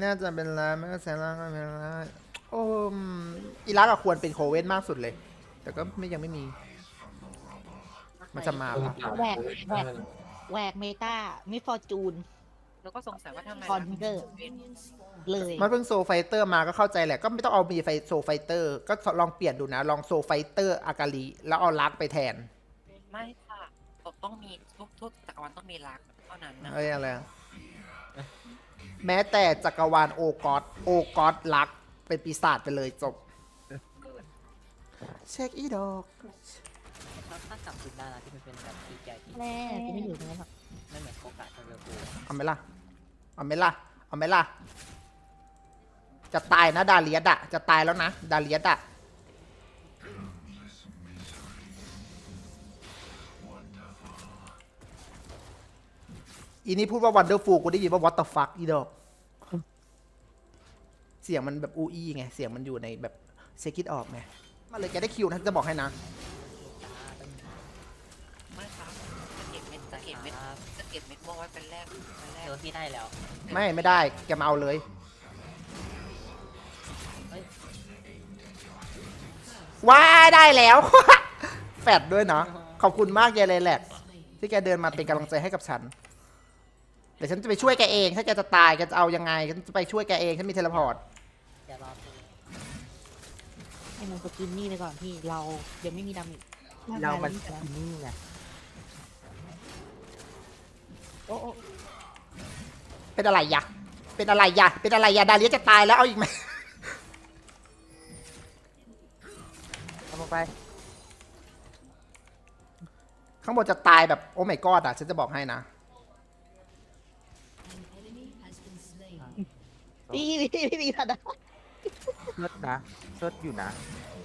น่าจะเป็นร้านไม่ก็แซงล่างก็เป็นร้านโอ้อิรักอะควรเป็นโคเว่นมากสุดเลย แต่ก็ไม่ยังไม่มี มันจะมาปะแหวกแหวกเมตามิฟอร์จูนแล้วก็สงสัยว่าทำไมคอนเดอร์ เลยมันเพิ่งโซไฟเตอร์มาก็เข้าใจแหละ ก็ไม่ต้องเอามีไฟโซไฟเตอร์ ก็ลองเปลี่ยนดูนะ ลองโซไฟเตอร์อากาลีแล้วเอาลักไปแทนไม่ค่ะต้องมีทุกจักรวาลต้องมีรักเท่านั้นนะเอ้ยอะไรอะแม้แต่จักรวาลโอกอสลักเป็นปีศาจไปเลยจบ เช็คอีดอกถ้ากลับคืนได้นะที่มันเป็นแบบที่ใหญ่ที่แม่จะไม่อยู่ตรงนั้นหรอกไม่เหมือนโอกาสทางเรือกูเอาไหมล่ะ เอาไหมล่ะ เอาไหมล่ะ จะตายนะดาเลียดอะจะตายแล้วนะ ดาเลียดอะอีนี่พูดว่า wonderful กูได้ยินว่า what the fuck อีดอก เสียงมันแบบอูอีไง เสียงมันอยู่ในแบบเซคิดออกไง มาเลยแกได้คิวนะจะบอกให้นะไม่ครับจะเก็บเม็ดม่วงไว้เป็นแรกเออพี่ได้แล้วไม่ได้ แกมาเอาเลย ว้ายได้แล้ว แฟดด้วยเนาะขอบคุณมากเยเลยแหละที่แกเดินมาเป็นกำลังใจให้กับฉัน เดี๋ยวฉันจะไปช่วยแกเอง ถ้าแกจะตายแกจะเอายังไงฉันจะไปช่วยแกเองฉันมีเทเลพอร์ตอย่ารอพี่ให้มันสกินนี่ไปก่อนพี่ เรายังไม่มีดามิเรามันร่งกยที่นี่ไงโอ้โอ้เป็นอะไรยะเป็นอะไรยะเป็นอะไรยะดาเลียจะตายแล้วเอาอีกไหมทำลงไปข้างบนจะตายแบบโอ้ไม่กอดอ่ะฉันจะบอกให้นะพี่มีทันนะเชิดนะเชิดอยู่นะ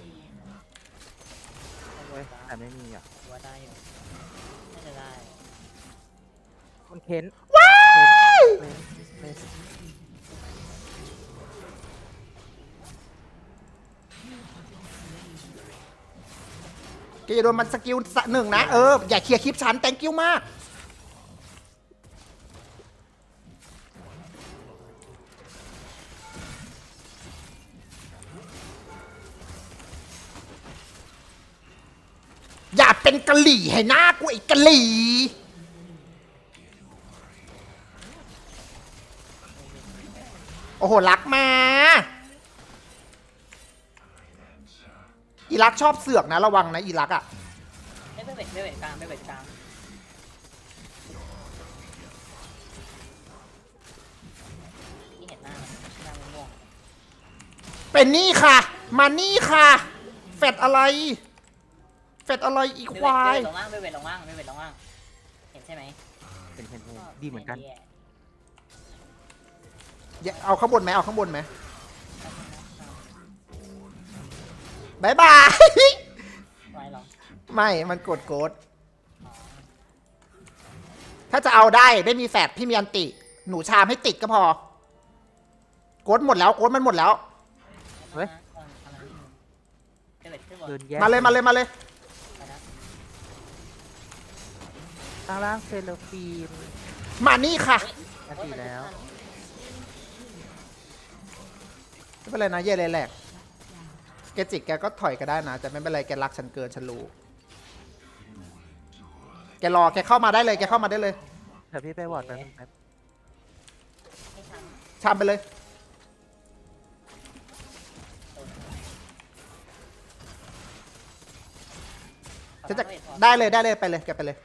เอาไว้แต่ไม่มีอ่ะว่าได้อยู่น่าจะได้มันเค้นว้ายเค้นเค้นแกจะโดนมันสกิลหนึ่งนะอย่าเคลียร์คลิปฉัน thank you มากอย่าเป็นกะหลี่ให้หน้ากูไอ้กะหลี่โอ้โหรักมาอีรักชอบเสือกนะระวังนะอีรักอ่ะไม่เวทกลางไม่เวทกลางที่เห็นหน้าม่วงเป็นนี่ค่ะ มานี่ค่ะเฟดอะไรเฟดอะไรอีควายลงล่างไม่เวทลงล่างไม่เวทลงล่างเห็นใช่ไหมเป็นเค้นดีเหมือนกันเอาข้างบนไหมเอาข้างบนไหมบายบายไว้หรอไม่มันกดโกดถ้าจะเอาได้ไม่มีแฟดพี่มีอันติ หนูชามให้ติดก็พอโกดหมดแล้วโกดมันหมดแล้วเฮ้ยไม่เวทขึ้นบนเดินแยกมาเลยไปนะข้างล่างเซเลฟีนมานี่ค่ะนาทีแล้วไม่เป็นไรนะเย่เลยแหลกแกจิกแกก็ถอยก็ได้นะแต่ไม่เป็นไรแกรักฉันเกินฉันรู้แกรอแกเข้ามาได้เลยแกเข้ามาได้เลยเดี๋ยวพี่ไปวอร์ดแป๊บนึงครับให้ทชามไปเลยฉันจะได้เลยไปเลยแกไปเลย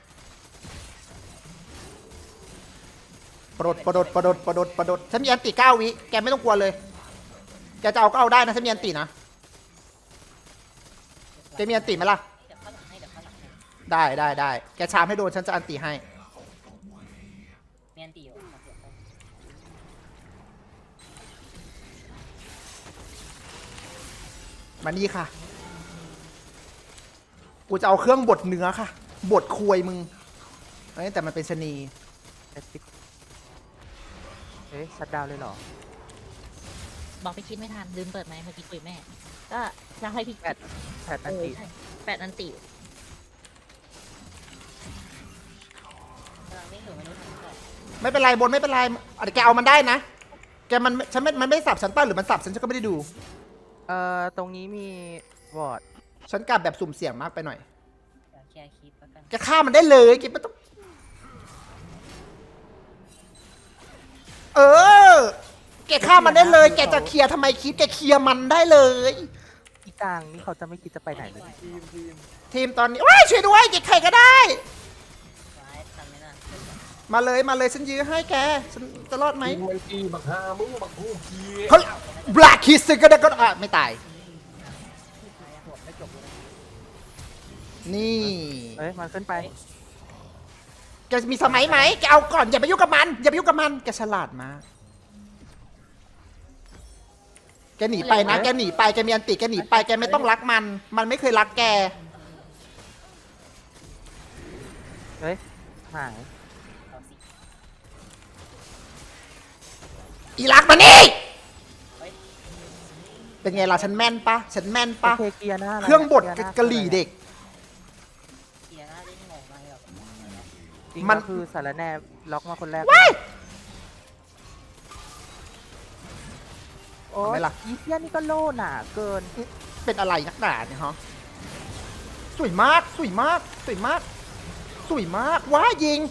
ปรดฉันมีอันติ9 วิแกไม่ต้องกลัวเลยแกจะเอาก็เอาได้นะฉันมีอันตินะแกมีอันติไหมล่ะเดี๋ยวข้างหลังให้เดี๋ยวข้างหลังให้ได้แกชามให้โดนฉันจะอันติให้เมียนตีอยู่มานี่ค่ะ กูจะเอาเครื่องบดเนื้อค่ะ บดควยมึงเอ้ยแต่มันเป็นชะนีเอ๊ะชัดดาวน์เลยเหรอบอกพี่คิดไม่ทันลืมเปิดไหมค์เมื่อกี้คุยแม่ ก็จะให้พี่แพทนันติใช่แปดอันติกำลังไม่ถึงไม่รู้ทำอะไรไม่เป็นไรบนไม่เป็นไรเดี๋ยวแกเอามันได้นะแกมันไม่สับฉันป้าหรือมันสับฉันก็ไม่ได้ดูตรงนี้มีวอร์ดฉันกลับแบบสุ่มเสี่ยงมากไปหน่อยเดี๋ยวเคลียร์คลิปแล้วกันแกฆ่ามันได้เลยแกไม่ต้องเออแกฆ่ามันได้เลย แกจะเคลียร์ทำไมคิดแกเคลียร์มันได้เลยอีกลางนี่เขาจะไม่คิดจะไปไหนเลยทีมตอนนี้ว้ายช่วยด้วยแกใครก็ได้ไว้ทำไม่น่ามาเลยฉันยื้อให้แกฉันจะรอดไหมมึงกีบักฮามึงบักฮูกีเขาบลักคิสก็ได้ก็ไม่ตาย นี่เอ้ยมันขึ้นไปแกมีสมัยไหมแกเอาก่อนอย่าไปยุ่งกับมันอย่าไปยุ่งกับมันแกฉลาดมากแกหนีไปนะแกหนีไปแกมีอันติแกหนีไปแกไม่ต้องรักมันไม่เคยรักแกเฮ้ยหายเอาสิอีรักมานี่เป็นไงล่ะฉันแม่นปะฉันแม่นปะโอเคเกียร์หน้าเครื่องบดกะหรี่เด็กเคลียร์หน้าได้งงมากแบบจริงมัมัน นคือสารแนล็อกมาคนแรกว้ายโอ้เอาไหมยล่ะอีเทียนี่ก็โล่หนาเกินเป็นอะไรนักหนาเนี่ยฮะสวยมากสวยมากสวยมากสวยมากว้ายิง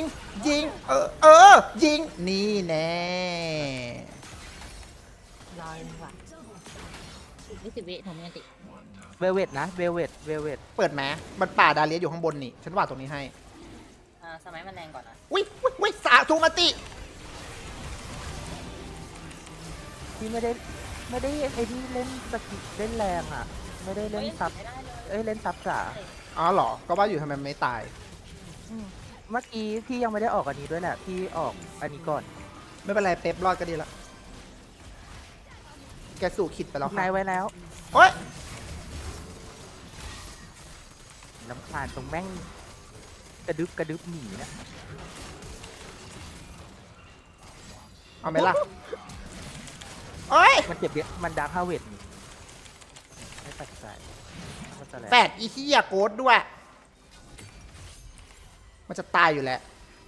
ยิงนี่แน่รอเลยว่ะ20 วิหนูมีอันติเวลเวตนะเวลเวตเปิดแมมันป่าดาเลียอยู่ข้างบนนี่ฉันว่าตรงนี้ให้สมัยมันแรงก่อนนะอุ้ยสาธุมาติที่ไม่ได้ไอ้ที่เล่นสกิลเล่นแรงอ่ะ ไม่ได้เล่นซับไม่ได้เลยเอ้ยเล่นซับจ๋าอ๋อเหรอก็ว่าอยู่ทำไมไม่ตายเมื่อกี้พี่ยังไม่ได้ออกอันนี้ด้วยแหละพี่ออกอันนี้ก่อนไม่เป็นไรเป๊ปรอดก็ดีละแกสู่ขิดไปแล้วนายค่ะไว้แล้วโอ๊ยลำคาญตรงแม่งกระดึบหนีนะเอาไหมล่ะโอ๊ยมันเจ็บเยอะมันดาร์คฮาเวดนี่ไม่ตัดใจมันจะแรงแปดอีที่ยาโกดด้วย มันจะตายอยู่แล้ว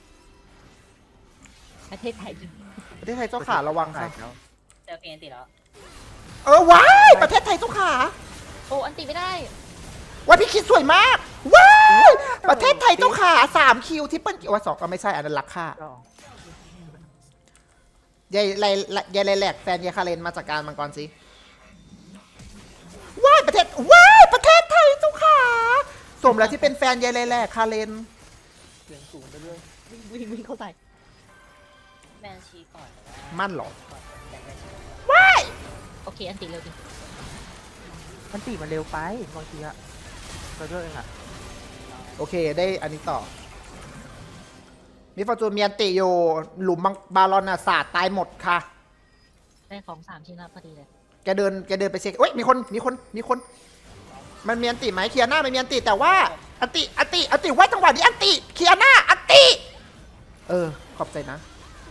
ประเทศไทยจริงประเทศไทยเจ้าขาระวังค่ะแล้วเจอเพนติแล้วว้ายประเทศไทยเจ้าขาโอ้อันติไม่ได้ว้ายพี่คิดสวยมากว้ายประเทศไทยเจ้าขา3 คิวที่เปิ้ลว่า2ก็ไม่ใช่อันนั้นรักค่าก็ยายไรแหลกแฟนยายคาเรนมาจากการมังกรสิว้ายประเทศไทยเจ้าขาสมแล้วที่เป็นแฟนยายไรแหลกคาเรนเสียงสูงไปเรื่อยวิ่งเข้าใส่แบนชีก่อนแต่ว่ามั่นเหรอก่อนแต่แบนชีว้ายโอเคอันติเร็วดิมันตีมันเร็วไปบางทีอะเราเลือกเองอะโอเคได้อันนี้ต่อ มีฟอร์จูนเมียนติอยู่หลุมบาลอนน่ะสาดตายหมดค่ะได้ของ3 ชิ้นแล้วพอดีเลยแกเดินไปเช็คเอ้ยมีคนมันมีอันติไหมเคลียร์หน้าไม่มีอันติแต่ว่าอันติไว้จังหวะนี้อันติเคลียร์หน้าอันติขอบใจนะ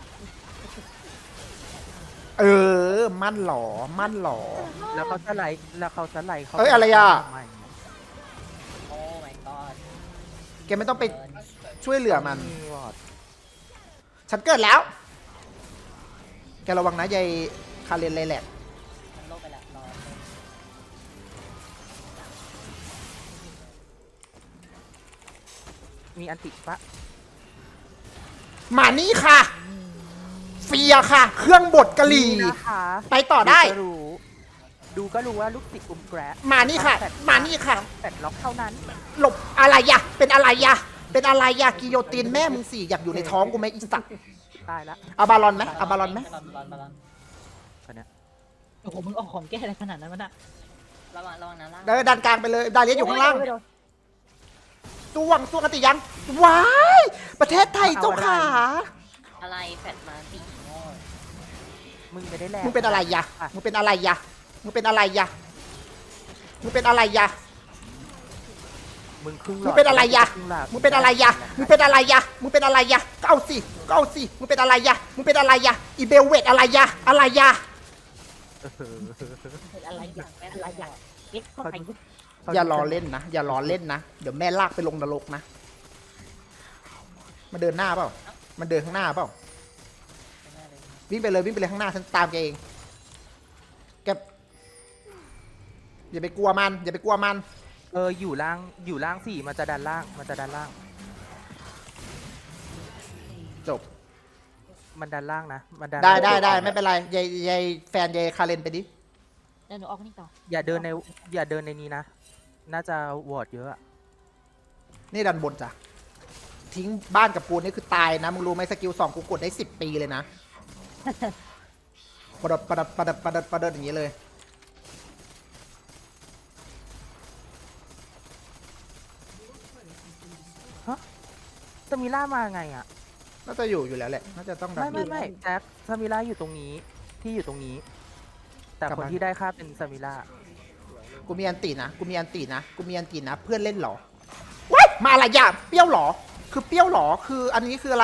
มั่นหรอแล้วเขาสไลด์เขาเอ้ยอะไรอะทำไมโอ้ my god แกไม่ต้องไปช่วยเหลือมันมีวอร์ดฉันเกิดแล้ว แกระวังนะยายคาเรนเลยแหละมันโลกไปแล้วรอมีอันติปะมานี่ค่ะ เฟียค่ะ เครื่องบดกะหรี่นี่นะคะไปต่อได้ดูก็รู้ว่าลูกศิษย์กลุ่มแกรมานี่ค่ะ มานี่ค่ะแต่ล็อกเท่านั้นหลบอะไรยะเป็นอะไรยะกิโยตินแม่มึงสิอยากอยู่ในท้องกูไหมอีสัตว์ตายละเอาบาลอนไหมเอาบาลอนไหมบอลคนเนี้ยโอ้โหมึงออกของแก้อะไรขนาดนั้นวะน่ะระวังนะล่างเดินดันกลางไปเลยดาเลียอยู่ข้างล่างสู้กันติยังว้ายประเทศไทยเจ้าขาอะไรแฟดมาตีโง่มึงไม่ได้แรงมึงเป็นอะไรยะมึงเป็นอะไรยะมึงเป็นอะไรยะมึงเป็นอะไรยะมึงครึ่งหลมึอง ดเป็นอะไรยะครึ่งหลอดมึงเป็นอะไรยะมึงเป็นอะไรยะมึงเป็นอะไรยะก็เอาสิมึงเป็นอะไรยะมึงเป็นอะไรยะอีเบลเวตอะไรยะเป็นอะไรอย่างเอ็กเข้าไปอย่ารอเล่นนะเดี๋ยวแม่ลากไปลงนรกนะมาเดินหน้าเปล่ามันเดินข้างหน้าเปล่าไม่ได้เลยวิ่งไปเลยวิ่งไปเลยข้างหน้าฉันตามแกเองแกอย่าไปกลัวมันอย่าไปกลัวมันอยู่ล่างสี่มันจะดันล่างมันจะดันล่างจบมันดันล่างนะมันดันได้ไม่เป็นไรยายแฟนยายคาเรนไปดิเดี๋ยวหนูออกนี่ต่ออย่าเดินในนี้นะน่าจะวอร์ดเยอะอะนี่ดันบนจ้ะทิ้งบ้านกับปูนนี่คือตายนะมึงรู้ไหมสกิล2กูกดได้10 ปีเลยนะ ประดับอย่างนี้เลยสมิล่ามาไงอ่ะน่าจะอยู่แล้วแหละน่าจะต้องดันไม่แจ็คสมิล่าอยู่ตรงนี้ที่อยู่ตรงนี้ แต่กลับคนมาที่ได้ค่าเป็นสมิล่ากูมีอันตีนะกูมีอันตีนะกูมีอันตีนะเพื่อนเล่นเหรอว้ายมาอะไรอย่าเปรี้ยวเหรอคือเปรี้ยวเหรอคืออันนี้คืออะไร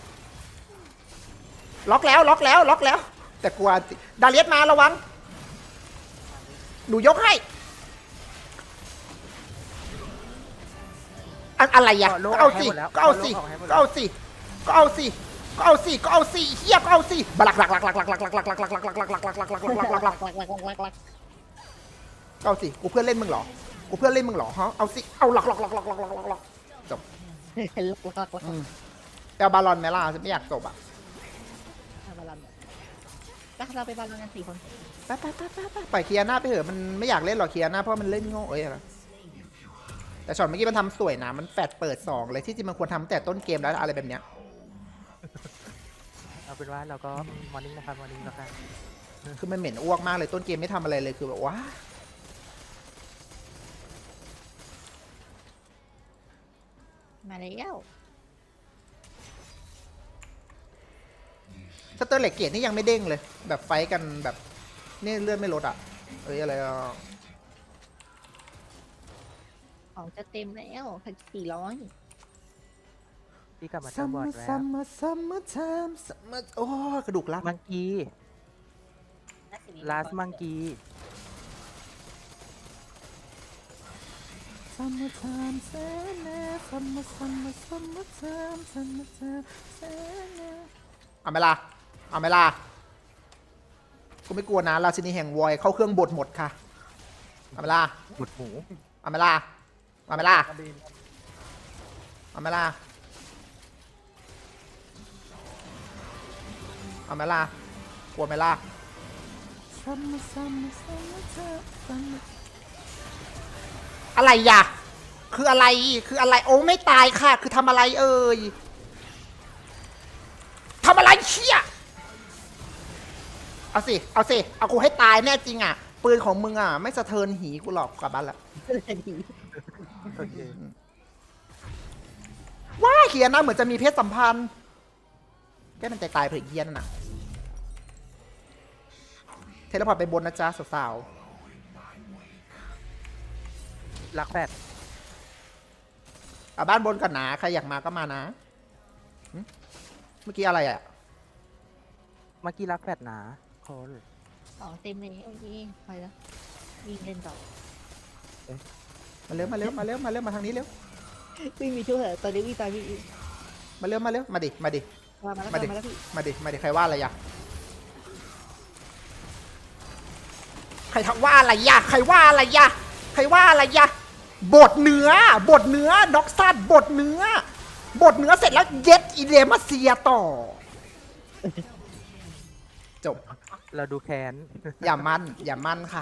ล็อกแล้วแต่กลัวดาเลียสมาระวังหนูยกให้อะไรอ่ะก็เอาสิเฮียก็เอาสิบลักเอาสิกูเพื่อนเล่นมึงเหรอฮะเอาสิเอาหลอกจบเอาบาลอนไหมล่ะฉันไม่อยากจบอ่ะบาลอนก็เราไปบาลอนกัน4 คนไปปล่อยเคลียร์หน้าไปเถอะมันไม่อยากเล่นหรอกเคลียร์หน้าเพราะมันเล่นโง่อะไรแต่ช็อตเมื่อกี้มันทำสวยนะมันแฟดเปิด2เลยที่จริงมันควรทำแต่ต้นเกมแล้วอะไรแบบเนี้ยเอาเป็นว่าเราก็มอร์นิ่งนะครับมอร์นิ่งแล้วกันคือมันเหม็นอ้วกมากเลยต้นเกมไม่ทำอะไรเลยคือแบบว่ามาแล้วสเตอร์เหล็กเกตนี่ยังไม่เด้งเลย แบบไฟกันแบบนี่เลื่อนไม่ลดอ่ะอะไรอ่ะของจะเต็มแล้ว400 พี่กลับมาเติมบอร์ดแล้ว summer โอ้กระดูกลับมังกี้ลาสมังกี้ summertime summertime เอาไหมล่ะกูไม่กลัวนะราชินีแห่งวอยเข้าเครื่องบดหมดค่ะเอาไหมล่ะบดหมูเอาไหมล่ะเอาไหมล่ะเอาไหมล่ะเอาไหมล่ะกลัวไหมล่ะอะไรอ่ะคืออะไรโอ้ไม่ตายค่ะคือทำอะไรเอ่ยทำอะไรเชี่ยเอากูให้ตายแน่จริงอ่ะปืนของมึงอ่ะไม่สะเทินหีกูหรอกกลับบ้านละโอเคว้าเขียนนะเหมือนจะมีเพศสัมพันธ์แกมันใจตายเผื่อเยียนน่ะเทเลพอร์ตไปบนนะจ๊ะสาวรักแปดๆเอาบ้านบนก่อนนะใครอยากมาก็มานะหึเมื่อกี้อะไรอ่ะเมื่อกี้รักแปดหนาคนของเต็มเลยโอเคไปแล้ววิ่งเล่นต่อมาเร็วมาทางนี้เร็ววิ่งมีช่วยเหรอตอนนี้วิ่งตายวิ่งมาเร็วมาดิมาแล้วพี่มาดิใครว่าอะไรยะใครทักว่าอะไรยะบดเนื้อด็อกซัดบดเนื้อเสร็จแล้วเย็ดอีเลมาเซียต่อจบเราดูแค้นอย่ามันค่ะ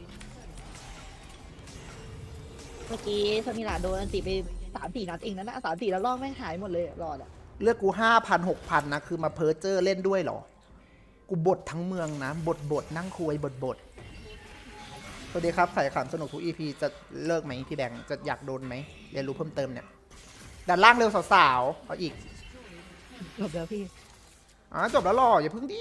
เมื่อกี้สมิลาโดนอันติไป3-4 นัดเองนะ3-4 แล้วรอบไม่หายหมดเลยรอดอ่ะเลือกกู5,000-6,000นะคือมาเพิร์เจอร์เล่นด้วยเหรอกูบดทั้งเมืองนะบดนั่งคุยบดสวัสดีครับใส่ขำสนุกทุก EP จะเลิกไหมพี่แบงค์จะอยากโดนไหมเรียนรู้เพิ่มเติมเนี่ยดันล่างเร็วสาวๆเอาอีกจบแล้วพี่จบแล้วหรออย่าเพิ่งดิ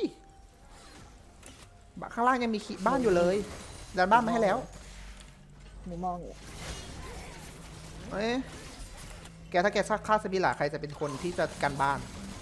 ข้างล่างยังมีบ้านอยู่เลยดันบ้านมาให้แล้วหนูมองอยู่เอ้ยแกถ้าแกฆ่าสบิล่ะใครจะเป็นคนที่จะกันบ้าน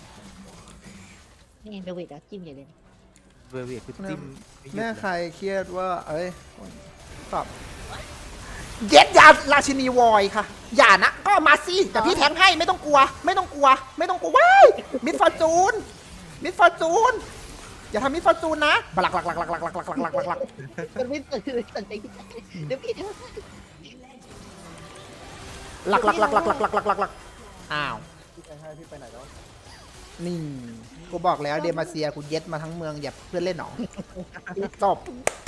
นี่เดวิดอะจิ้มใหญ่เลยเวอร์เวียคือจิ้มไม่หยุดแม่เลยใครเครียดว่าเอ้ยตอบเย็ดยาราชินีวอยค่ะอย่านะก็มาสิแต่พี่แทงให้ไม่ต้องกลัวว้ายมิดฟอร์จูนอย่าทำมิสฟอร์จูนนะบลักหลักหลักหลักหลักหลักหลักหลักหลักหลักมันไม่สนใจเดี๋ยวพี่เธอหลักหลักหลักหลักหลักหลักหลักหลักหลักอ้าวพี่ไปให้พี่ไปไหนแล้วนี่กูบอกแล้วเดมาเซียกูเย็ดมาทั้งเมืองอย่าเพื่อนเล่นหนอจบ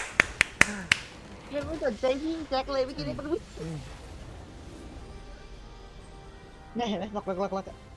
ไม่สนใจพี่แจ็คเลยเมื่อกี้นี่มันเนี่ยเห็นไหมหลัก